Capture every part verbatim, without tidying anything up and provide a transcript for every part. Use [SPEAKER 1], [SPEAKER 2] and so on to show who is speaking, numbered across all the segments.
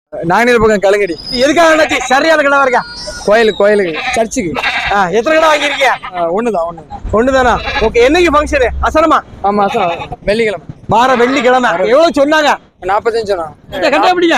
[SPEAKER 1] நாங்கநீர் பக்கம் கலங்கடி.
[SPEAKER 2] எதுக்காக சரியான கடை இருக்கா?
[SPEAKER 1] கோயிலுக்கு கோயிலுக்கு சர்ச்சுக்கு.
[SPEAKER 2] எத்தனை கடை வாங்கியிருக்கீங்க?
[SPEAKER 1] ஒண்ணுதான் ஒண்ணு
[SPEAKER 2] ஒண்ணுதானா? ஓகே. என்னைக்கு ஃபங்க்ஷனு? அசனமா?
[SPEAKER 1] ஆமா அசனம் வெள்ளிக்கிழமை.
[SPEAKER 2] வார வெள்ளிக்கிழமை. எவ்வளவு சொன்னாங்க?
[SPEAKER 1] நாற்பத்தஞ்சு சொன்னாங்க.
[SPEAKER 2] கரெக்டா பிடிங்க.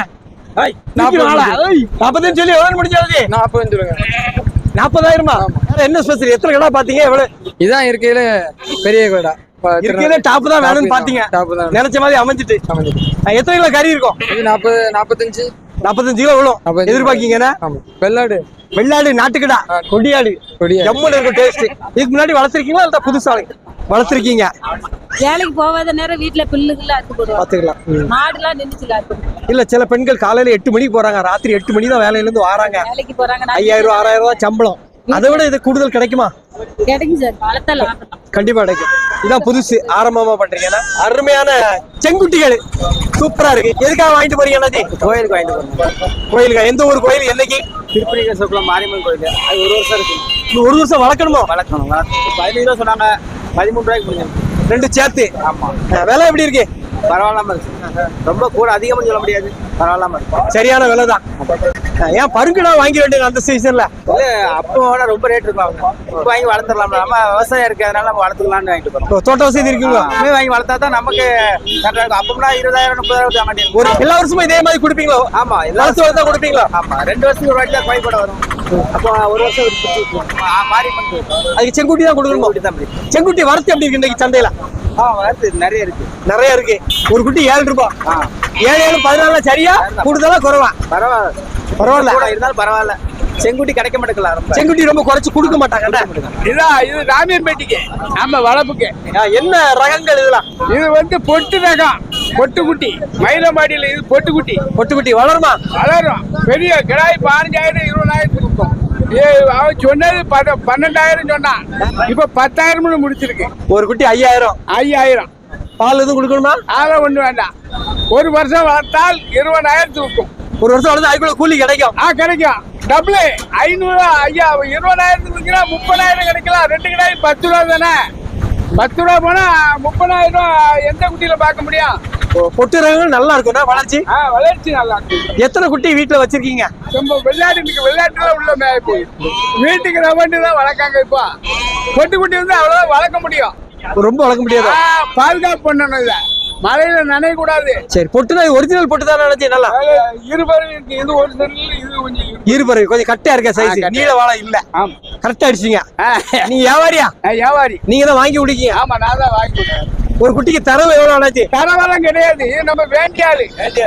[SPEAKER 2] நாற்பத்தஞ்சு சொல்லி எவ்வளவு முடிஞ்சாது?
[SPEAKER 1] நாற்பத்தஞ்சு சொல்லுங்க.
[SPEAKER 2] நாற்பதாயிரமா? என்ன ஸ்பெஷல்? எத்தனை கடை பாத்தீங்க? எவ்வளவு?
[SPEAKER 1] இதான் இருக்கையில பெரிய கடை.
[SPEAKER 2] இருக்கையில டாப் தான் வேணும்னு பாத்தீங்க. நினைச்ச மாதிரி அமைஞ்சிட்டு. எத்தனை கிலோ கறி இருக்கும்?
[SPEAKER 1] இது நாற்பது நாற்பத்தஞ்சு
[SPEAKER 2] நாற்பத்தஞ்சு கிலோ எவ்வளோ எதிர்பார்க்கீங்கன்னா?
[SPEAKER 1] வெள்ளாடு
[SPEAKER 2] வெள்ளாடு நாட்டுக்கடா கொடியாடு ஜம்முன்னு இருக்கும் டேஸ்ட். இதுக்கு முன்னாடி வளர்த்துருக்கீங்களா இல்ல புதுசா வளர்த்துருக்கீங்க?
[SPEAKER 3] வேலைக்கு போகாத நேரம் வீட்டுல பில்லுக்குள்ள அறுத்து போடுவோம்.
[SPEAKER 2] பாத்துக்கலாம்.
[SPEAKER 3] மாடுலாம் நின்றுச்சுல
[SPEAKER 2] இல்ல சில பெண்கள் காலையில எட்டு மணிக்கு போறாங்க, ராத்திரி எட்டு மணி தான் வேலையில இருந்து வராங்க.
[SPEAKER 3] வேலைக்கு போறாங்க.
[SPEAKER 2] ஐயாயிரம் ரூபாய் ஆறாயிரம் ரூபாய் சம்பளம். அதை விட இது கூடுதல் கிடைக்குமா?
[SPEAKER 3] கிடைக்கும் சார். வளர்த்தலாம்
[SPEAKER 2] கண்டிப்பா கிடைக்கும். இதான் புதுசு ஆரம்பமா பண்றீங்கன்னா அருமையான செங்குட்டிகள் சூப்பரா இருக்கு. எதுக்காக வாங்கிட்டு போறீங்க?
[SPEAKER 1] கோயிலுக்கு வாங்கிட்டு போறோம்.
[SPEAKER 2] கோயிலுக்கா? எந்த ஊர் கோயில்? என்னைக்கு?
[SPEAKER 1] திருப்பதி சொக்குளம் மாரியம்மன் கோயில். அது ஒரு வருஷம் இருக்கு.
[SPEAKER 2] இன்னும் ஒரு வருஷம் வளர்க்கணுமோ?
[SPEAKER 1] வளர்க்கணும். பதினஞ்சு ரூபா சொன்னாங்க, பதிமூணு ரூபாய்க்கு முடியும்.
[SPEAKER 2] ரெண்டு சேர்த்து.
[SPEAKER 1] ஆமா.
[SPEAKER 2] விலை எப்படி இருக்கு?
[SPEAKER 1] பரவாயில்லாம இருக்கு. ரொம்ப கூட அதிகமா சொல்ல முடியாது, பரவாயில்லாம இருக்கு.
[SPEAKER 2] சரியான விலை தான். ஏன் பருங்கடா வாங்கி வேண்டிய அந்த சீசன்ல?
[SPEAKER 1] அப்போ ரொம்ப ரேட் இருக்கும். அவங்க இப்போ வாங்கி வளர்த்துடலாம். நம்ம விவசாயம் இருக்கிறதுனால நம்ம வளர்த்துக்கலாம்னு வாங்கிட்டு போறோம்.
[SPEAKER 2] தோட்ட வசதி இருக்குங்களா?
[SPEAKER 1] அப்பவே வாங்கி வளர்த்தா தான் நமக்கு கரெக்டா இருக்கும். அப்போம்னா இருபதாயிரம் முப்பதாயிரம் தாங்க மாட்டேன்.
[SPEAKER 2] ஒரு எல்லா வருஷமும் இதே மாதிரி கொடுப்பீங்களோ?
[SPEAKER 1] ஆமா,
[SPEAKER 2] எல்லா வருஷம் தான் கொடுப்பீங்களா?
[SPEAKER 1] ஆமா, ரெண்டு வருஷத்துக்கு ஒரு வாட்டி தான் கோயில் கூட வரும். அப்போ ஒரு வருஷம் மாரியம்மன் கோயில்.
[SPEAKER 2] அதுக்கு செங்குட்டி தான் கொடுக்கணுமா? செங்குட்டி வரத்து எப்படி இருக்கு இன்னைக்கு சந்தையில?
[SPEAKER 1] ஆ, வரத்து நிறைய இருக்கு.
[SPEAKER 2] நிறைய இருக்கு. ஒரு குட்டி ஏழு ரூபாய். ஏழு ஏழு பதினாலு சரியா? கூடுதலா குறைவா?
[SPEAKER 1] பரவாயில்ல
[SPEAKER 2] பரவாயில்ல
[SPEAKER 1] இருந்தாலும் பரவாயில்ல. செங்குட்டி கிடைக்க மாட்டேங்கல.
[SPEAKER 2] செங்குட்டி ரொம்ப குறைச்சு கொடுக்க மாட்டாங்க.
[SPEAKER 4] இதான் இது ராமியன்பேட்டிக்கு நம்ம வளர்ப்புக்கு.
[SPEAKER 2] என்ன ரகங்கள் இதெல்லாம்?
[SPEAKER 4] இது வந்து பொட்டு ரகம், பொட்டுக்குட்டி. மயிலம்பாடியில இது பொட்டுக்குட்டி.
[SPEAKER 2] பொட்டுக்குட்டி வளருமா?
[SPEAKER 4] வளரும். பெரிய கிடாய் பதினஞ்சாயிரம் இருபதாயிரத்துக்கு இருக்கும். அவன் சொன்னது பன்னெண்டாயிரம் சொன்னான். இப்ப பத்தாயிரம் முடிச்சிருக்கு.
[SPEAKER 2] ஒரு குட்டி ஐயாயிரம்.
[SPEAKER 4] ஐயாயிரம்.
[SPEAKER 2] பால் எதுவும் கொடுக்கணுமா?
[SPEAKER 4] அதெல்லாம் ஒண்ணு வேண்டாம். ஒரு வருஷம் வளர்த்தால் இருபதாயிரத்துக்கு இருக்கும்.
[SPEAKER 2] ஒரு வருஷம் வளர்ந்து அதுக்குள்ள கூலி கிடைக்கும்.
[SPEAKER 4] ஆ, கிடைக்கும். டபுள் ஐநூறு ஐயா இருபதாயிரத்துக்கு இருக்கிறா முப்பதாயிரம் கிடைக்கலாம். ரெண்டு கிடாய் பத்து ரூபா தானே. பத்து ரூபா போனா முப்பதாயிரம் ரூபாய் எந்த குட்டியில பார்க்க முடியும்?
[SPEAKER 2] பொட்டு ரகங்கள் நல்லா இருக்கும்னா வளர்ச்சி?
[SPEAKER 4] ஆ, வளர்ச்சி நல்லா இருக்கு.
[SPEAKER 2] எத்தனை குட்டி வீட்டுல வச்சிருக்கீங்க?
[SPEAKER 4] ரொம்ப விளையாட்டு விளையாட்டுல உள்ள மேய போய் வீட்டுக்கு ரவண்டு தான் வளர்க்காங்க. இப்போ பொட்டு குட்டி வந்து அவ்வளவுதான் வளர்க்க முடியும்.
[SPEAKER 2] ரொம்ப வளர்க்க முடியாது.
[SPEAKER 4] பாதுகாப்பு பண்ணணும். இத மழையில நனைய கூடாது.
[SPEAKER 2] சரி, பொட்டுனா ஒரிஜினல் பொட்டு தான் நினைச்சு நல்லா
[SPEAKER 4] இருபது இருக்கு. இது ஒரு செல்ல இது கொஞ்சம்
[SPEAKER 2] இருபது கொஞ்சம் கட்டா இருக்க சைஸ். நீல வாழை இல்ல. கரெக்டா அடிச்சீங்க. நீங்க வியாபாரியா?
[SPEAKER 4] வியாபாரி.
[SPEAKER 2] நீங்க தான் வாங்கி குடிக்கீங்க?
[SPEAKER 4] ஆமா, நான் தான் வாங்கி.
[SPEAKER 2] ஒரு குட்டிக்கு தரவு எவ்வளவு ஆனாச்சு?
[SPEAKER 4] தரவெல்லாம் கிடையாது. இது நம்ம வேண்டியாரு.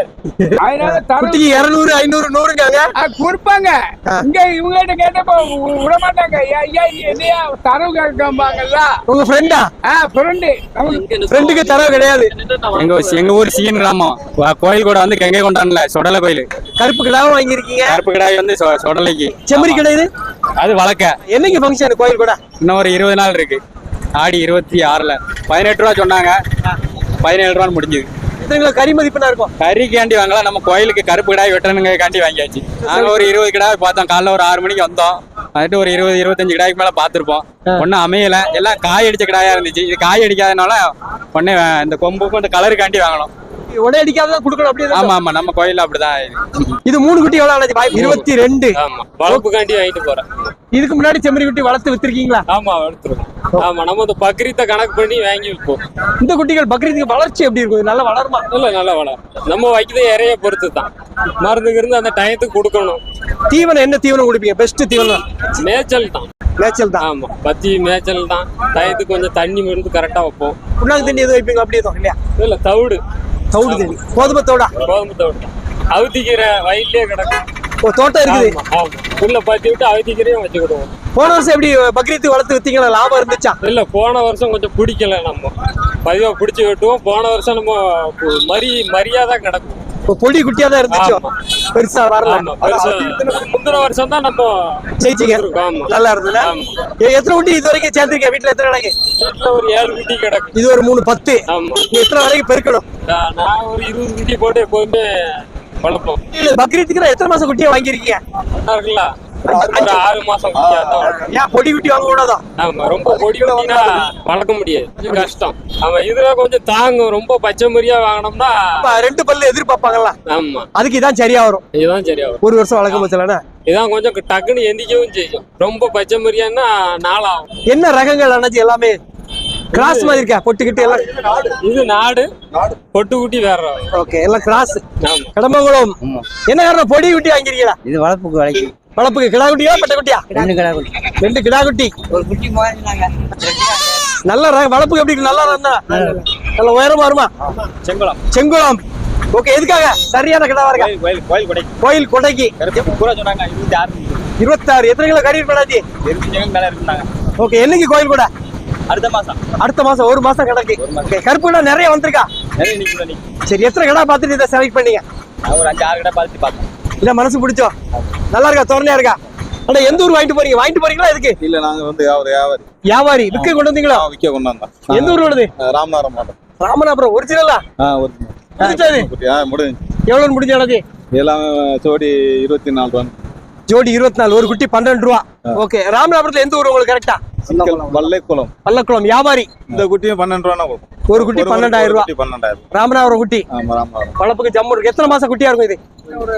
[SPEAKER 4] அதனால
[SPEAKER 2] குட்டிக்கு இருநூறு ஐநூறு நூறுங்க
[SPEAKER 4] கொடுப்பாங்க. இங்க இவங்க கிட்ட கேட்டப்ப விட மாட்டாங்க. ஐயா என்னையா தரவு கேட்காம்பாங்கல்ல.
[SPEAKER 2] உங்க ஃப்ரெண்டா?
[SPEAKER 4] ஃப்ரெண்டு.
[SPEAKER 2] ஃப்ரெண்டுக்கு தரவு கிடையாது.
[SPEAKER 5] எங்க எங்க ஊர் சீன் கிராமம் கோயில் கூட வந்து கங்கை கொண்டான்ல சொடலை கோயில்.
[SPEAKER 2] கருப்பு கிடாவும் வாங்கிருக்கீங்க?
[SPEAKER 5] கருப்பு கிடாய் வந்து சொடலைக்கு.
[SPEAKER 2] செம்மறி கிடையாது
[SPEAKER 5] அது வளர்க்க.
[SPEAKER 2] என்னைக்கு ஃபங்க்ஷன் கோயில் கூட?
[SPEAKER 5] இன்னும் ஒரு இருபது நாள் இருக்கு. ஆடி இருபத்தி ஆறுல பதினெட்டு ரூபா சொன்னாங்க. பதினேழு ரூபான்னு முடிஞ்சது.
[SPEAKER 2] எத்தனை கிலோ கறி மதிப்புனா இருக்கும்?
[SPEAKER 5] கறிக்காண்டி வாங்கலாம். நம்ம கோயிலுக்கு கருப்பு கிடாய் வெட்டணுங்க காண்டி வாங்கியாச்சு. நாங்க ஒரு இருபது கிடாய் பார்த்தோம். காலைல ஒரு ஆறு மணிக்கு வந்தோம். வந்துட்டு ஒரு இருபது இருபத்தஞ்சு கிடாய்க்கு மேல பாத்துருப்போம். ஒன்னும் அமையல. எல்லாம் காய் அடிச்ச கிடாயா இருந்துச்சு. இது காய் அடிக்காதனால உடனே இந்த கொம்புக்கும் இந்த கலருக்காண்டி வாங்கணும்.
[SPEAKER 2] உடனே அடிக்காத கொடுக்கணும். அப்படியே?
[SPEAKER 5] ஆமா ஆமா, நம்ம கோயில்ல அப்படிதான்.
[SPEAKER 2] இது மூணு குட்டி எவ்வளவு ஆனது? இருபத்தி ரெண்டு.
[SPEAKER 5] ஆமா, வளர்ப்புக்காண்டி வாங்கிட்டு போறேன்.
[SPEAKER 2] இதுக்கு முன்னாடி செம்மறி குட்டி வளர்த்து வித்திருக்கீங்களா?
[SPEAKER 5] ஆமா, வளர்த்துருக்கோம். ஆமா, நம்ம இந்த பக்ரீத்தை கணக்கு பண்ணி வாங்கி விற்போம்.
[SPEAKER 2] இந்த குட்டிகள் பக்ரீத்துக்கு வளர்ச்சி எப்படி இருக்கும்? நல்லா வளருமா?
[SPEAKER 5] இல்ல, நல்லா வளரும். நம்ம வைக்கிறது இறைய பொறுத்து தான். மருந்துக்கு இருந்து அந்த டயத்துக்கு கொடுக்கணும்.
[SPEAKER 2] தீவனம் என்ன தீவனம் கொடுப்பீங்க? பெஸ்ட் தீவனம்
[SPEAKER 5] மேய்ச்சல் தான்.
[SPEAKER 2] மேய்ச்சல் தான்.
[SPEAKER 5] ஆமா, பத்தி மேய்ச்சல் தான். டயத்துக்கு கொஞ்சம் தண்ணி மருந்து கரெக்டா வைப்போம்.
[SPEAKER 2] புண்ணாக்கு தண்ணி எதுவும் வைப்பீங்க? அப்படி எதுவும் இல்லையா?
[SPEAKER 5] இல்ல, தவிடு.
[SPEAKER 2] தவிடு தண்ணி. கோதுமை தவிடா?
[SPEAKER 5] கோதுமை தவிடு. அவுத்திக்கீரை வயிற்றுலயே கிடக்கும்.
[SPEAKER 2] தோட்டம் இருக்குது.
[SPEAKER 5] உள்ள பத்தி விட்டு அவுத்திக்கீரையும் வச்சுக்கிடுவோம்.
[SPEAKER 2] போன வருஷம் எப்படி பக்ரீத்து வளர்த்து வித்தீங்களா? லாபம் இருந்துச்சா?
[SPEAKER 5] இல்ல, போன வருஷம் கொஞ்சம் பிடிக்கல. நம்ம பதிவா பிடிச்சி வெட்டுவோம். போன வருஷம் நம்ம மரி மரியாதை கிடக்கும்.
[SPEAKER 2] பொடி குட்டியா தான் இருந்துச்சு. பெருசா வரல.
[SPEAKER 5] முந்தின வருஷம் தான் நம்ம
[SPEAKER 2] ஜெயிச்சிங்க. நல்லா இருந்தது. எத்தனை குட்டி இது வரைக்கும் சேர்ந்துருக்கேன்? வீட்டுல எத்தனை கிடக்கு?
[SPEAKER 5] ஒரு ஏழு குட்டி கிடக்கு.
[SPEAKER 2] இது ஒரு மூணு பத்து. எத்தனை வரைக்கும் பெருக்கணும்?
[SPEAKER 5] நான் ஒரு இருபது குட்டி போட்டு எப்போதுமே வளர்ப்போம்.
[SPEAKER 2] பக்ரீத்துக்கு எத்தனை மாசம் குட்டியா வாங்கிருக்கீங்க?
[SPEAKER 5] இருக்குல்ல,
[SPEAKER 6] ஒரு ஆறு மாசம் குட்டியா தான் வளர்க்கணும்.
[SPEAKER 2] ஏன் பொடி குட்டி வாங்க கூடாதா?
[SPEAKER 6] ஆமா, ரொம்ப பொடி குட்டினா வளர்க்க முடியாது, கொஞ்சம் கஷ்டம். ஆமா, இதுல கொஞ்சம் தாங்கும். ரொம்ப பச்சை மரியா வாங்கினோம்னா
[SPEAKER 2] அப்ப ரெண்டு பல்லு எதிர்பார்ப்பாங்கல்ல,
[SPEAKER 6] ஆமா,
[SPEAKER 2] அதுக்கு இதான் சரியா வரும்.
[SPEAKER 6] இதுதான் சரியா வரும்.
[SPEAKER 2] ஒரு வருஷம் வளர்க்க போச்சுலண்ணா.
[SPEAKER 6] இதான் கொஞ்சம் டக்குன்னு எந்திக்கவும் செய்யும். ரொம்ப பச்சை மரியான்னா நாளாகும்.
[SPEAKER 2] என்ன ரகங்கள் அண்ணாச்சி? எல்லாமே கிராஸ் மாதிரி இருக்கா? பொட்டுக்கிட்டு எல்லாம்
[SPEAKER 6] இது நாடு, பொட்டு குட்டி வேற ரகம்.
[SPEAKER 2] ஓகே, எல்லாம் கிராஸ்.
[SPEAKER 6] ஆமா,
[SPEAKER 2] கடம்பகுளம். என்ன காரணம் பொடி குட்டி வாங்கிருக்கீங்களா?
[SPEAKER 1] இது வளர்ப்புக்கு வளைக்கு
[SPEAKER 2] வளர்ப்புக்கு கிடா குட்டியா பட்ட குட்டியா?
[SPEAKER 1] ரெண்டு கடை குட்டி,
[SPEAKER 2] ரெண்டு கிடா குட்டி.
[SPEAKER 1] ஒரு குட்டி வாங்கினாங்க.
[SPEAKER 2] நல்ல ரகம். வளர்ப்புக்கு எப்படி? நல்லா இருந்தா நல்ல உயரமா வருமா?
[SPEAKER 5] செங்குளம்
[SPEAKER 2] செங்குளம். ஓகே, எதுக்காக? சரியான கிடா இருக்கா?
[SPEAKER 5] கோயில் கோயில் கொடை
[SPEAKER 2] கோயில் கொடைக்கு
[SPEAKER 5] பூரா சொன்னாங்க. இருபத்தி ஆறு
[SPEAKER 2] இருபத்தாறு. எத்தனை கிலோ கறி பண்ணாச்சு?
[SPEAKER 5] இருபத்தி மேல இருந்தாங்க.
[SPEAKER 2] ஓகே, என்னைக்கு கோயில் கூட?
[SPEAKER 5] அடுத்த மாசம்
[SPEAKER 2] அடுத்த மாசம். ஒரு மாசம் கிடக்கு. ஓகே, கருப்பு கிடா நிறைய வந்திருக்கா?
[SPEAKER 5] நிறைய நிக்கல நிக்க.
[SPEAKER 2] சரி, எத்தனை கிடா பார்த்துட்டு இதை செலக்ட் பண்ணீங்க?
[SPEAKER 5] நான் ஒரு அஞ்சு ஆறு கடை பார்த்து பார்த்தேன்.
[SPEAKER 2] இல்ல மனசு பிடிச்சோ? நல்லா இருக்கா? தோரணையா இருக்கா? ஆனா எந்த ஊர் வாங்கிட்டு போறீங்க? வாங்கிட்டு போறீங்களா? எதுக்கு?
[SPEAKER 7] இல்ல நாங்க வந்து வியாபாரி வியாபாரி
[SPEAKER 2] வியாபாரி விற்க கொண்டு வந்தீங்களா?
[SPEAKER 7] ஆ, விக்க கொண்டு வந்தோம்.
[SPEAKER 2] எந்த ஊர் உள்ளது?
[SPEAKER 7] ராமநாதபுரம் மாவட்டம்.
[SPEAKER 2] ராமநாதபுரம். ஒரிஜினலா?
[SPEAKER 7] ஆ, ஒரு
[SPEAKER 2] முடிஞ்சது?
[SPEAKER 7] குட்டி. ஆ, முடிஞ்சு.
[SPEAKER 2] எவ்வளவு முடிஞ்சது?
[SPEAKER 7] எல்லாமே ஜோடி இருபத்தி நாலு ரூபா.
[SPEAKER 2] ஜோடி இருபத்தி நாலு. ஒரு குட்டி பன்னெண்டு ரூபா. ஓகே, ராமநாதபுரத்துல எந்த ஊர் உங்களுக்கு கரெக்டா?
[SPEAKER 7] வல்லைக்குளம்.
[SPEAKER 2] பல்லக்குளம். வியாபாரி.
[SPEAKER 7] இந்த குட்டியும் பன்னெண்டு ரூபா கொடுக்கும்.
[SPEAKER 2] ஒரு குட்டி பன்னெண்டாயிரம் ரூபா.
[SPEAKER 7] பன்னெண்டாயிரம்.
[SPEAKER 2] ராமநாதபுரம் குட்டி.
[SPEAKER 7] ஆமா, ராமநாதபுரம்.
[SPEAKER 2] வளர்ப்புக்கு ஜம்மு இருக்கு. எத்தனை மாசம் குட்டியா இருக்கும் இது?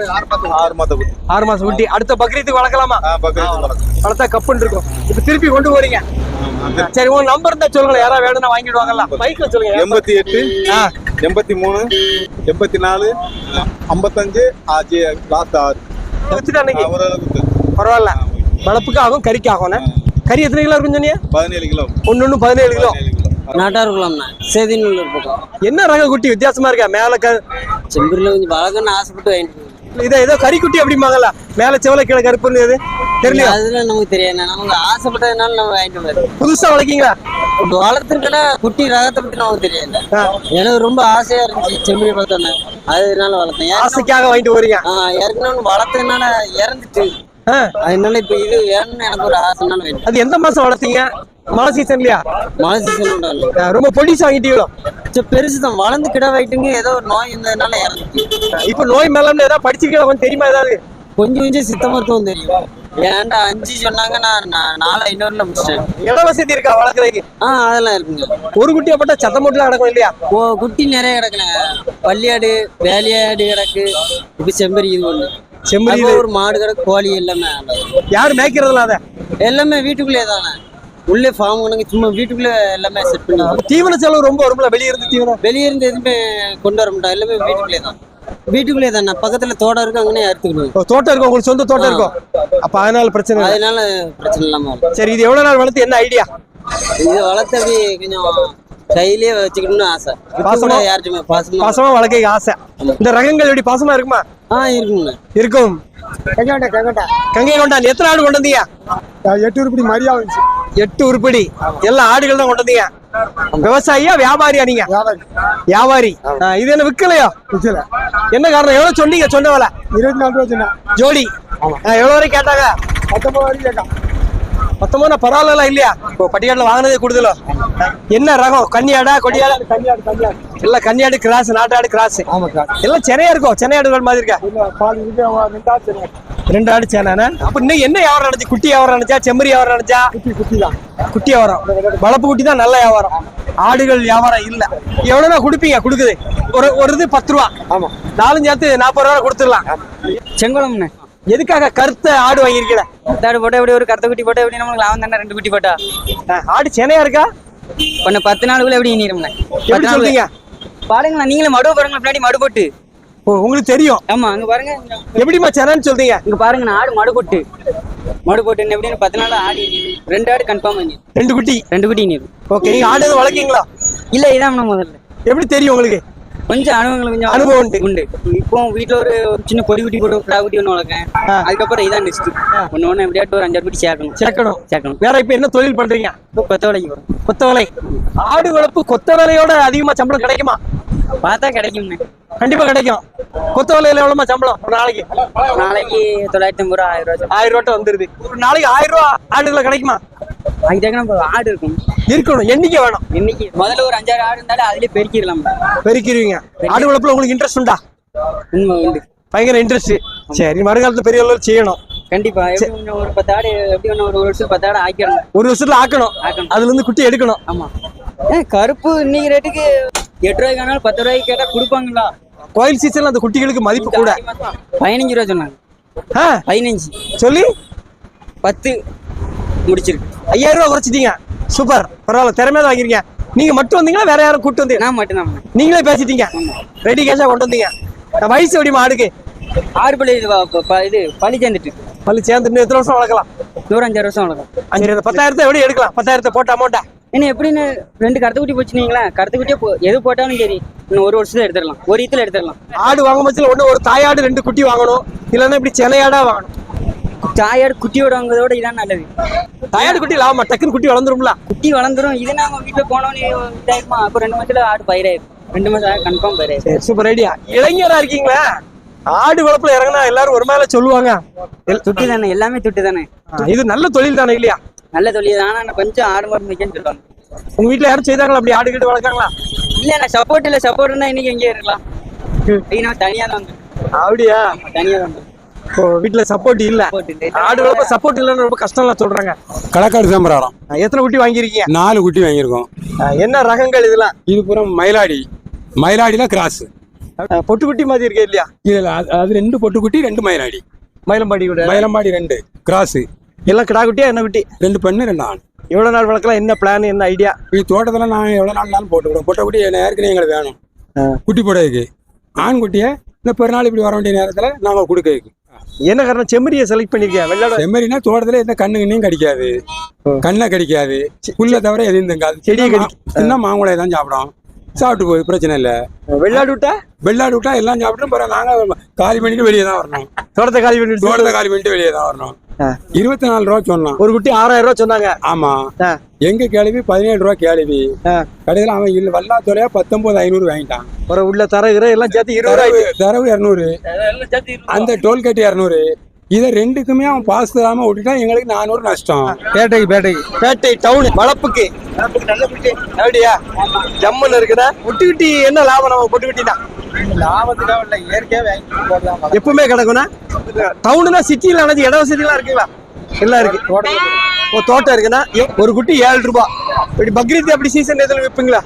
[SPEAKER 7] ஆறு மாத குட்டி.
[SPEAKER 2] ஆறு மாசம் குட்டி. அடுத்த பக்ரீத்துக்கு வளர்க்கலாமா?
[SPEAKER 7] ஆ, பக்கத்துல வளர்க்கும்.
[SPEAKER 2] வளர்த்தா கப்புன்னு இருக்கும். இப்ப திருப்பி கொண்டு போறீங்க. சரி, உங்க நம்பர் இருந்தா சொல்லுங்க, யாராவது வேணும்னா வாங்கிடுவாங்கல்ல. பைக்ல சொல்லுங்க.
[SPEAKER 7] எண்பத்தி எட்டு
[SPEAKER 2] ஆ,
[SPEAKER 7] எண்பத்தி மூணு எண்பத்தி நாலு ஐம்பத்தஞ்சு ஆச்சு லாஸ்ட் ஆறு.
[SPEAKER 2] வச்சுட்டு அன்னைக்கு
[SPEAKER 7] ஒரு அளவுக்கு
[SPEAKER 2] பரவாயில்ல. வளர்ப்புக்கு ஆகும், கறிக்கு ஆகும். கறி எத்தனை கிலோ இருக்கும் சொன்னீங்க?
[SPEAKER 7] பதினேழு கிலோ.
[SPEAKER 2] ஒன்னு ஒண்ணு பதினேழு கிலோ.
[SPEAKER 7] பதினேழு கிலோ.
[SPEAKER 8] நாட்டாருக்குலாம்ண்ணா சேதிநல்லூர் பக்கம்.
[SPEAKER 2] என்ன ரக குட்டி வித்தியாசமா இருக்கா? மேல க
[SPEAKER 8] செம்பூர்ல கொஞ்சம் வளர்க்கணும்னு ஆசைப்பட்டு வாங்கிட்டு
[SPEAKER 2] இதை ஏதோ கறி குட்டி அப்படிம்பாங்கல்ல, மேல செவல கீழே கருப்புன்னு. எது தெரியலையா?
[SPEAKER 8] அதெல்லாம் நமக்கு தெரியாது. நமக்கு ஆசைப்பட்டதுனால நம்ம வாங்கிட்டு வந்தோம்.
[SPEAKER 2] புதுசா வளர்க்கீங்களா?
[SPEAKER 8] வளர்த்துருக்கா குட்டி ரகத்தை பத்தி நமக்கு தெரியாது. எனக்கு ரொம்ப ஆசையா இருந்துச்சு செம்பூரி பார்த்தோன்னே, அதனால வளர்த்தேன்.
[SPEAKER 2] ஆசைக்காக வாங்கிட்டு வரீங்க?
[SPEAKER 8] ஆஹ் ஏற்கனவே வளர்த்ததுனால இறந்துட்டு, அதனால இப்ப இது வேணும்னு எனக்கு ஒரு ஆசைனால வேணும்.
[SPEAKER 2] அது எந்த மாசம் வளர்த்தீங்க? மழை சீசன்லயா?
[SPEAKER 8] மழை சீசன்
[SPEAKER 2] ரொம்ப பொடிசா வாங்கிட்டீங்களோ?
[SPEAKER 8] பெருசுதான். வளர்ந்து கிட வைட்டுங்க, ஏதோ ஒரு நோய் இருந்ததுனால இறந்துச்சு.
[SPEAKER 2] இப்ப நோய் மேலம்னு ஏதாவது படிச்சிருக்கீங்களா? கொஞ்சம் தெரியுமா ஏதாவது?
[SPEAKER 8] கொஞ்சம் கொஞ்சம் சித்த மருத்துவம் தெரியும். ஏன்டா அஞ்சு சொன்னாங்க, நான் நாலு ஐநூறுல முடிச்சிட்டேன்.
[SPEAKER 2] இட வசதி இருக்கா வளர்க்குறதுக்கு?
[SPEAKER 8] ஆஹ் அதெல்லாம் இருக்குங்க.
[SPEAKER 2] ஒரு குட்டியா போட்டா சத்தம் போட்டுலாம் கிடக்கும் இல்லையா?
[SPEAKER 8] ஓ, குட்டி நிறைய கிடக்குங்க. பள்ளியாடு, வேலையாடு கிடக்கு. இப்ப செம்பரி இது ஒண்ணு.
[SPEAKER 2] செம்மறி
[SPEAKER 8] ஒரு மாடு கிடக்கு, கோழி எல்லாமே.
[SPEAKER 2] யாரு மேய்க்கிறதுல? அத
[SPEAKER 8] எல்லாமே வீட்டுக்குள்ளே தானே. உள்ளே ஃபார்ம் கணக்கு சும்மா வீட்டுக்குள்ளே எல்லாமே செட் பண்ணி.
[SPEAKER 2] தீவன செலவு ரொம்ப வரும்ல? வெளியே இருந்து தீவனம்
[SPEAKER 8] வெளியே இருந்து எதுவுமே கொண்டு வர மாட்டோம். எல்லாமே வீட்டுக்குள்ளே தான். வீட்டுக்குள்ளே தானே. பக்கத்துல தோட்டம் இருக்கு, அங்கனே அறுத்துக்கணும்.
[SPEAKER 2] தோட்டம் இருக்கும் உங்களுக்கு? சொந்த தோட்டம் இருக்கும். அப்ப அதனால பிரச்சனை இல்லை.
[SPEAKER 8] அதனால பிரச்சனை இல்லாம வரும்.
[SPEAKER 2] சரி, இது எவ்வளவு நாள் வளர்த்து? என்ன ஐடியா?
[SPEAKER 8] இது வளர்த்து அப்படி கொஞ்சம் கையிலேயே வச்சுக்கணும்னு ஆசை.
[SPEAKER 2] பாசமா?
[SPEAKER 8] யாருக்குமே பாசமா
[SPEAKER 2] பாசமா வளர்க்க ஆசை. இந்த ரகங்கள் எப்படி பாசமா இருக்குமா?
[SPEAKER 8] ஆஹ் இருக்குங்க.
[SPEAKER 2] இருக்கும். கங்கை கொண்டான். எத்தனை ஆடு கொண்டு வந்தீங்க?
[SPEAKER 9] எட்டு உருப்படி மரியா வந்துச்சு.
[SPEAKER 2] எட்டு உருப்படி. எல்லா ஆடுகள் தான் கொண்டு வந்தீங்க. விவசாயியா வியாபாரியா நீங்க?
[SPEAKER 9] வியாபாரி.
[SPEAKER 2] வியாபாரி. இது என்ன விற்கலையோ?
[SPEAKER 9] விற்கல.
[SPEAKER 2] என்ன காரணம்? எவ்வளவு சொன்னீங்க? சொன்ன வேலை
[SPEAKER 9] இருபத்தி நாலு ரூபா சொன்னேன்.
[SPEAKER 2] ஜோடி. எவ்வளவு வரைக்கும் கேட்டாங்க?
[SPEAKER 9] பத்தொன்பது வரைக்கும் கேட்கான்.
[SPEAKER 2] பத்தொன்பது பரவாயில்ல இல்லையா? இப்போ பட்டிக்காட்டுல வாங்கினதே கூடுதலோ? என்ன ரகம்? கன்னியாடா கொடியாடா?
[SPEAKER 9] கன்னியாடு. கன்னியாடு
[SPEAKER 2] எல்லாம் கன்னியாடு கிராஸ், நாட்டாடு கிராஸ்.
[SPEAKER 9] ஆமா சார்.
[SPEAKER 2] எல்லாம் சென்னையா இருக்கும். சென்னை ஆடுகள் மாதிரி இருக்கா?
[SPEAKER 9] பால் இருக்கு. ரெண்டாவது சரி.
[SPEAKER 2] ரெண்டு ஆடு சேனானே. அப்ப இன்னும் என்ன வியாபாரம் நடந்துச்சு? குட்டி வியாபாரம் நடந்துச்சா? செம்மறி வியாபாரம் நடந்துச்சா?
[SPEAKER 9] குட்டி குட்டி தான்.
[SPEAKER 2] குட்டி வியாபாரம். வளர்ப்பு குட்டி தான் நல்ல வியாபாரம். ஆடுகள் வியாபாரம் இல்ல. எவ்வளவுனா கொடுப்பீங்க? கொடுக்குது ஒரு ஒரு இது பத்து ரூபா.
[SPEAKER 9] ஆமா.
[SPEAKER 2] நாலஞ்சு சேர்த்து நாற்பது ரூபா கொடுத்துடலாம்.
[SPEAKER 8] செங்குளம்ண்ணே.
[SPEAKER 2] எதுக்காக கருத்த ஆடு வாங்கிருக்கீங்க?
[SPEAKER 8] ஆடு போட்டா எப்படி? ஒரு கருத்த குட்டி போட்டா எப்படி? நமக்கு லாபம் தானே. ரெண்டு குட்டி போட்டா
[SPEAKER 2] ஆடு சென்னையா இருக்கா?
[SPEAKER 8] கொஞ்சம் பத்து நாளுக்குள்ள எப்படி நீரும்ண்ணே?
[SPEAKER 2] எப்படி சொல்றீங்க?
[SPEAKER 8] பாருங்களா, நீங்களே மடு பாருங்க. பின்னாடி மடு போட்டு.
[SPEAKER 2] ஓ, உங்களுக்கு தெரியும்?
[SPEAKER 8] ஆமா, அங்க பாருங்க.
[SPEAKER 2] எப்படிமா சென்னைன்னு சொல்றீங்க?
[SPEAKER 8] இங்க பாருங்க, ஆடு மடு போட்டு மடு போட்டு எப்படின்னு பத்து நாள் ஆடி ரெண்டு ஆடு கன்ஃபார்ம் பண்ணி.
[SPEAKER 2] ரெண்டு குட்டி.
[SPEAKER 8] ரெண்டு குட்டி நீர்.
[SPEAKER 2] ஓகே, நீங்க ஆடு எதுவும் வளர்க்கீங்களா?
[SPEAKER 8] இல்ல, இதான் முதல்ல.
[SPEAKER 2] எப்படி தெரியும் உங்களுக்கு?
[SPEAKER 8] கொஞ்சம் அனுபவங்கள் கொஞ்சம்
[SPEAKER 2] அனுபவம் உண்டு.
[SPEAKER 8] உண்டு. இப்போ வீட்டுல ஒரு சின்ன பொடி குட்டி போட்டு கிடா குட்டி ஒண்ணு வளர்க்கேன். அதுக்கப்புறம் இதான் நெக்ஸ்ட். ஒண்ணு ஒண்ணு எப்படியாட்டு ஒரு அஞ்சாறு குட்டி சேர்க்கணும்.
[SPEAKER 2] சேர்க்கணும்
[SPEAKER 8] சேர்க்கணும்.
[SPEAKER 2] வேற இப்ப என்ன தொழில் பண்றீங்க?
[SPEAKER 8] இப்போ கொத்த வேலைக்கு வரும்.
[SPEAKER 2] கொத்த வேலை. ஆடு வளர்ப்பு கொத்த வேலையோட அதிகமா சம்பளம் கிடைக்குமா?
[SPEAKER 8] பார்த்தா கிடைக்கும்ண்ணே.
[SPEAKER 2] கண்டிப்பா கிடைக்கும். கொத்த வேலையில எவ்வளவுமா சம்பளம் ஒரு நாளைக்கு?
[SPEAKER 8] நாளைக்கு தொள்ளாயிரத்தி ஐம்பது ரூபா, ஆயிரம் ரூபா.
[SPEAKER 2] ஆயிரம் ரூபாய் வந்துருது. ஒரு நாளைக்கு ஆயிரம் ரூபா ஆடுகளை கிடைக்குமா?
[SPEAKER 8] அதுக்கு ஆடு இருக்கும்.
[SPEAKER 2] இருக்கணும். எண்ணிக்கை வேணும்.
[SPEAKER 8] இன்னைக்கு முதல்ல ஒரு அஞ்சாறு ஆடு இருந்தாலும் அதுலயே பெருக்கிடலாம்.
[SPEAKER 2] பெருக்கிடுவீங்க. ஆடு வளர்ப்புல உங்களுக்கு இன்ட்ரெஸ்ட் உண்டா?
[SPEAKER 8] உண்மை உண்டு.
[SPEAKER 2] பயங்கர இன்ட்ரெஸ்ட். சரி, வருங்காலத்துல பெரிய அளவில் செய்யணும்.
[SPEAKER 8] கண்டிப்பா எப்படி இன்னும் ஒரு பத்து ஆடு எப்படி இன்னும் ஒரு வருஷம் பத்து ஆடு ஆக்கிடணும்.
[SPEAKER 2] ஒரு வருஷத்துல ஆக்கணும்,
[SPEAKER 8] ஆக்கணும்.
[SPEAKER 2] அதுல இருந்து குட்டி எடுக்கணும்.
[SPEAKER 8] ஆமா. ஏன் கருப்பு இன்னைக்கு ரேட்டுக்கு எட்டு ரூபாய்க்கு ஆனாலும் பத்து ரூபாய்க்கு கேட்டா கொடுப்பாங்களா?
[SPEAKER 2] கோயில் சீசன்ல அந்த குட்டிகளுக்கு மதிப்பு கூட.
[SPEAKER 8] பதினஞ்சு ரூபா சொன்னாங்க.
[SPEAKER 2] ஆ,
[SPEAKER 8] பதினஞ்சு
[SPEAKER 2] சொல்லி
[SPEAKER 8] பத்து முடிச்சிருக்கு.
[SPEAKER 2] ஐயாயிரம் ரூபாய் குறைச்சிட்டீங்க. சூப்பர், பரவாயில்ல, திறமையா தான் வாங்கிருக்கீங்க. நீங்க மட்டும் வந்தீங்களா வேற யாரும் கூட்டு வந்தீங்க?
[SPEAKER 8] நான் மட்டும் தான்.
[SPEAKER 2] நீங்களே பேசிட்டீங்க, ரெடி கேஷா கொண்டு வந்தீங்க. நான் வயசு எப்படிமா ஆடுக்கு?
[SPEAKER 8] ஆறு பள்ளி இது வ- ப- இது பள்ளி சேர்ந்துட்டு
[SPEAKER 2] பள்ளி சேர்ந்து இன்னும் எத்தனை வருஷம் வளர்க்கலாம்?
[SPEAKER 8] நூறஞ்சாறு வருஷம் வளர்க்கும்.
[SPEAKER 2] அஞ்சு அந்த பத்தாயிரத்தை எப்படி எடுக்கலாம்? பத்தாயிரத்தை போட்ட அமௌண்ட்டா?
[SPEAKER 8] இன்னும் எப்படின்னு ரெண்டு கருத்து குட்டி போச்சுனீங்களா? கருத்து குட்டியே போ- எது போட்டாலும் சரி இன்னும் ஒரு வருஷத்துல எடுத்துடலாம், ஒரு இத்துல எடுத்துடலாம்.
[SPEAKER 2] ஆடு வாங்கும் பட்சத்தில் ஒண்ணு ஒரு தாயாடு ரெண்டு குட்டி வாங்கணும், இல்லைன்னா இப்படி சென்னையாடா வாங்கணும்.
[SPEAKER 8] தாயாடு குட்டியோட வாங்குறதோட இதான் நல்லது.
[SPEAKER 2] தாயாடு குட்டி லாபமா? டக்குன்னு குட்டி வளர்ந்துரும்ல.
[SPEAKER 8] குட்டி வளர்ந்துரும். இது நாம வீட்டுல போனோன்னு இதாயிருமா? அப்ப ரெண்டு மாசத்துல ஆடு பயிராயிரும். ரெண்டு மாசம் கன்ஃபார்ம் பயிராயிரும்.
[SPEAKER 2] சரி, சூப்பர் ஐடியா. இளைஞரா இருக்கீங்களா? ஆடு வளர்ப்புல இறங்கினா எல்லாரும் ஒரு மேல சொல்லுவாங்க. எல்-
[SPEAKER 8] துட்டு தானே, எல்லாமே துட்டு தானே.
[SPEAKER 2] ஆ, இது நல்ல தொழில் தானே இல்லையா?
[SPEAKER 8] நல்ல தொழில் தான். ஆனா கொஞ்சம் ஆடு மாடு மேய்க்கன்னு சொல்லுவாங்க.
[SPEAKER 2] உங்க வீட்டுல யாரும் செய்தாங்களா அப்படி ஆடு கிட்ட வளர்க்காங்களா?
[SPEAKER 8] இல்ல நான் சப்போர்ட் இல்ல, சப்போர்ட் இருந்தா இன்னைக்கு எங்கே இருக்கலாம். நான் தனியா தான் வந்து
[SPEAKER 2] அப்படியா?
[SPEAKER 8] தனியா தான் வந்து
[SPEAKER 2] ஓ, வீட்டுல சப்போர்ட் இல்ல.
[SPEAKER 8] சப்போர்ட் இல்லை.
[SPEAKER 2] ஆடு வளர்ப்ப சப்போர்ட் இல்லைன்னு ரொம்ப கஷ்டம்லாம் சொல்றாங்க.
[SPEAKER 10] களக்காடு சாம்பிராடம்
[SPEAKER 2] ஆ, எத்தனை குட்டி வாங்கியிருக்கீங்க?
[SPEAKER 10] நாலு குட்டி வாங்கியிருக்கோம்.
[SPEAKER 2] ஆ, என்ன ரகங்கள் இதெல்லாம்?
[SPEAKER 10] இது பூரா மயிலாடி, மயிலாடியில கிராஸ்.
[SPEAKER 2] ஆ, பொட்டு குட்டி மாதிரி இருக்கே இல்லையா?
[SPEAKER 10] இதுல அது- அது ரெண்டு பொட்டு குட்டி, ரெண்டு மயிலாடி.
[SPEAKER 2] மயிலம்பாடி கூட
[SPEAKER 10] மயிலம்பாடி ரெண்டு கிராஸ்,
[SPEAKER 2] எல்லாம் கிடா குட்டியா என்ன குட்டி?
[SPEAKER 10] ரெண்டு பெண்ணு ரெண்டு ஆண்.
[SPEAKER 2] எவ்வளவு நாள் வளர்க்கலாம்? என்ன பிளான், என்ன ஐடியா?
[SPEAKER 10] இது தோட்டத்துல நான் எவ்வளவு நாள் நாளும் போட்டுக்கிறோம். பொட்டை குட்டி என்ன ஏற்கனவே எங்களுக்கு வேணும் குட்டி போடுறதுக்கு. ஆண் குட்டியை இந்த பெருநாள் இப்படி வர வேண்டிய நேரத்துல நாம கொடுக்க.
[SPEAKER 2] என்ன காரணம் செம்மறியை செலக்ட் பண்ணிருக்கேன்? வெள்ளாட
[SPEAKER 10] செம்மறினா தோட்டத்துல எந்த கண்ணு கண்ணையும் கடிக்காது, கண்ணை கடிக்காது, புல்ல தவிர எதையும் தங்காது.
[SPEAKER 2] செடியை கடி-
[SPEAKER 10] சின்ன மாங்குளையை தான் சாப்பிடும். சாப்பிட்டு போய் பிரச்சனை இல்லை.
[SPEAKER 2] வெள்ளாடு விட்டா
[SPEAKER 10] வெள்ளாடு விட்டா எல்லாம் சாப்பிட்டு பிறகு நாங்க காலி பண்ணிட்டு வெளியே தான் வரணும்.
[SPEAKER 2] தோட்டத்தை காலி பண்ணிட்டு
[SPEAKER 10] தோட்டத்தை காலி பண்ணிட்டு வெளியே தான் வரணும்.
[SPEAKER 2] ஆ.
[SPEAKER 10] இருபத்தி நாலு ரூபா சொன்னான்.
[SPEAKER 2] ஒரு குட்டி ஆறாயிரம் ரூபாய் சொன்னாங்க.
[SPEAKER 10] ஆமா.
[SPEAKER 2] ஆ.
[SPEAKER 10] எங்க கேள்வி பதினேழு ரூபா கேள்வி.
[SPEAKER 2] ஆ.
[SPEAKER 10] கடைசியில் அவன் இல்ல வல்லா தொலையா பத்தொன்பது ஐநூறு வாங்கிட்டான்.
[SPEAKER 2] ஒரு உள்ள தரகுற எல்லாம் சேர்த்து இருபது
[SPEAKER 10] தரவு
[SPEAKER 2] ரூபாய்.
[SPEAKER 10] தரவு இரநூறு, அந்த டோல்கேட் இரநூறு. இதை ரெண்டுக்குமே அவன் பாஸ் தராம விட்டுட்டான். எங்களுக்கு நானூறு நஷ்டம்.
[SPEAKER 2] பேட்டைக்கு பேட்டைக்கு பேட்டை டவுன் வளப்புக்கு வளப்புக்கு நல்ல குட்டி. அப்படியா? ஜம்முன்னு இருக்குதா? பொட்டுக்குட்டி என்ன லாபம்? நம்ம பொட்டுக்குட்டி தான்
[SPEAKER 1] லாபத்துக்காக இல்லை, இயற்கையாக வாங்கி போடலாம்.
[SPEAKER 2] எப்பவுமே கிடக்கும்னா. டவுனுனா சிட்டியில் அணைஞ்சு இட வசதிலாம் இருக்குங்களா? எல்லாம் இருக்கு. ஓ, தோட்டம் இருக்குன்னா எ- ஒரு குட்டி ஏழு ரூபாய். இப்படி பக்ரீத் அப்படி சீசன் எதுவும் விற்பீங்களா?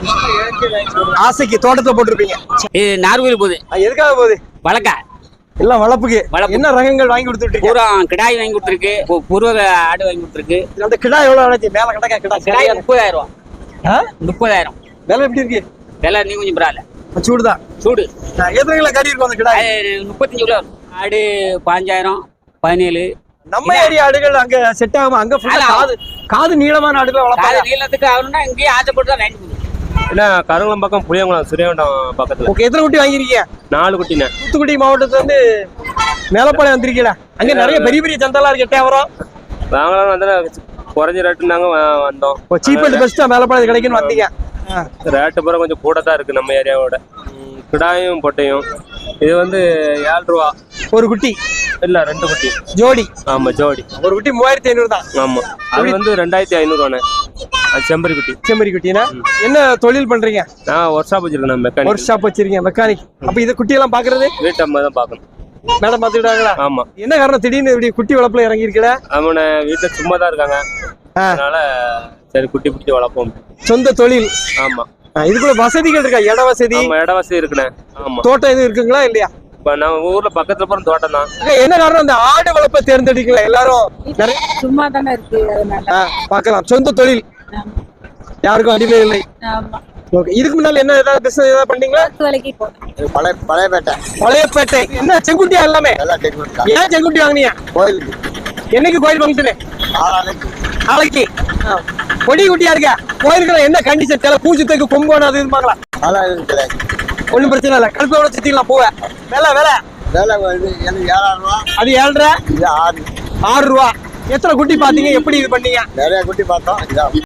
[SPEAKER 2] ஆசைக்கு தோட்டத்தை போட்டிருப்பீங்க.
[SPEAKER 8] இது நார்கோயில் போகுது.
[SPEAKER 2] அது எதுக்காக போகுது?
[SPEAKER 8] வழக்கா
[SPEAKER 2] எல்லாம் வளப்புக்கு.
[SPEAKER 8] வளப்பு.
[SPEAKER 2] என்ன ரகங்கள் வாங்கி கொடுத்துட்டு
[SPEAKER 8] பூரா கிடாய் வாங்கி கொடுத்துருக்கு, பூ- பூர்வ ஆடு வாங்கி கொடுத்துருக்கு.
[SPEAKER 2] அந்த கிடா எவ்வளவு அணைச்சு? மேல கிடக்கா கிடா
[SPEAKER 8] கிடாய்
[SPEAKER 2] சரியா?
[SPEAKER 8] முப்பதாயிரம் ரூபா.
[SPEAKER 2] ஆ?
[SPEAKER 8] முப்பதாயிரம்
[SPEAKER 2] விலை எப்படி இருக்கு?
[SPEAKER 8] விலை நீ கொஞ்சம் பரவாயில்ல.
[SPEAKER 2] சூடுதான்.
[SPEAKER 8] சூடு.
[SPEAKER 2] எத்தனை கிலோ கறி இருக்கும் அந்த கிடா?
[SPEAKER 8] அது முப்பத்தஞ்சு கிலோ வரும். ஆடு பாஞ்சாயிரம் பதினேழு.
[SPEAKER 2] நம்ம ஏரியா ஆடுகள் அங்க செட் ஆகாம அங்க full ஆ காது காது நீளமான ஆடுகள்
[SPEAKER 8] காது
[SPEAKER 2] வளர்ப்பாங்க.
[SPEAKER 8] நீளத்துக்கு ஆகணும்னா இங்கேயே ஆசைப்பட்டு தான் வாங்கி கொடுக்கும்.
[SPEAKER 6] என்ன கருங்குளம் பக்கம் புளியங்குளம் சுரியவண்டம் பக்கத்துல
[SPEAKER 2] ஓகே, எத்தனை குட்டி வாங்கிருக்கீங்க?
[SPEAKER 6] நாலு குட்டினே.
[SPEAKER 2] தூத்துக்குடி மாவட்டத்துல இருந்து மேலப்பாளையம் வந்திருக்கீங்களா? அங்க நிறைய பெரிய பெரிய சந்தெல்லாம் இருக்கு. எட்டாயிரம்
[SPEAKER 6] நாங்களும் வந்து குறைஞ்ச ரேட்டுனாங்க வந்தோம்.
[SPEAKER 2] சீப் அண்ட் பெஸ்டா மேலப்பாளையம் கிடைக்குன்னு வந்தீங்க.
[SPEAKER 6] ரேட்டு பூரா கொஞ்சம் கூட தான் இருக்கு நம்ம ஏரியாவோட. ம், கிடாயும் பொட்டையும் இது வந்து ஏழு ரூபா.
[SPEAKER 2] ஒரு குட்டி
[SPEAKER 6] இல்ல ரெண்டு குட்டி
[SPEAKER 2] ஜோடி.
[SPEAKER 6] ஆமா ஜோடி.
[SPEAKER 2] ஒரு குட்டி மூவாயிரத்தி ஐநூறு தான்.
[SPEAKER 6] ஆமா அது வந்து ரெண்டாயிரத்தி ஐநூறுவானே. அது செம்பரி குட்டி.
[SPEAKER 2] செம்மறி குட்டினா என்ன தொழில் பண்றீங்க?
[SPEAKER 6] நான் ஒர்க் ஷாப் வச்சிருக்கேன்,
[SPEAKER 2] ஒரு
[SPEAKER 6] மெக்கானிக்.
[SPEAKER 2] ஷாப் வச்சிருக்கீங்க, மெக்கானிக். அப்ப இது குட்டி எல்லாம் பாக்குறது
[SPEAKER 6] வீட்டு அம்மா தான் பார்க்கணும்.
[SPEAKER 2] மேடம் பாத்துக்கிட்டாங்களா?
[SPEAKER 6] ஆமா.
[SPEAKER 2] என்ன காரணம் திடீர்னு இப்படி குட்டி வளர்ப்புல இறங்கி இருக்கல?
[SPEAKER 6] அவனை வீட்டுல சும்மா தான் இருக்காங்க, அதனால சரி குட்டி குட்டி வளர்ப்போம்.
[SPEAKER 2] சொந்த தொழில்.
[SPEAKER 6] ஆமா.
[SPEAKER 2] ஆ, இதுக்குள்ள வசதிகள் இருக்கா? இட வசதி,
[SPEAKER 6] ஆமா இட வசதி இருக்குண்ணே. ஆமா.
[SPEAKER 2] தோட்டம் எதுவும் இருக்குங்களா இல்லையா?
[SPEAKER 6] இப்ப நம்ம ஊர்ல பக்கத்துல போற தோட்டம் தான்.
[SPEAKER 2] அக்கா, என்ன காரணம் அந்த ஆடு வளர்ப்பை தேர்ந்தெடுக்கல எல்லாரும்? நிறைய
[SPEAKER 3] சும்மா தானே இருக்கு அதனால.
[SPEAKER 2] ஆ, பார்க்கலாம். சொந்த தொழில், யாருக்கும் அடிமை இல்லை.
[SPEAKER 3] ஆமா.
[SPEAKER 2] ஓகே, இதுக்கு முன்னால என்ன ஏதாவது பிசினஸ் ஏதாவது பண்ணீங்களா?
[SPEAKER 3] பத்து வேலைக்கு போனேன்.
[SPEAKER 7] பழைய பழையப்பேட்டை
[SPEAKER 2] பழையப்பேட்டை. என்ன செங்குட்டியா எல்லாமே?
[SPEAKER 7] எல்லாம் டெக்னிக்கா
[SPEAKER 2] ஏன் செங்குட்டி வாங்கினீங்க?
[SPEAKER 7] கோயிலுக்கு
[SPEAKER 2] என்னைக்கு கோயில் ஃபங்க்ஷனு?
[SPEAKER 7] ஆளாளுக்கு
[SPEAKER 2] நாளைக்கு. ஆ. கொடி குட்டியா இருக்கா? கோயிலுக்குள்ள என்ன கண்டிஷன்? சில பூஜத்துக்கு கொம்போன அது இருப்பாங்களா?
[SPEAKER 7] ஆளாளுக்கு கிடையாது.
[SPEAKER 2] ஒன்றும் பிரச்சனை இல்லை, கழுப்போட சுத்திக்கலாம் போவேன். வேலை வேலை
[SPEAKER 7] வேலை வந்து எனக்கு ஏழாயிரம் ரூபா,
[SPEAKER 2] அது ஏழரை
[SPEAKER 7] இது ஆறு
[SPEAKER 2] ஆறு ரூபா. எத்தனை குட்டி பாத்தீங்க? எப்படி இது பண்ணீங்க?
[SPEAKER 7] நிறைய குட்டி பார்த்தோம். இதான்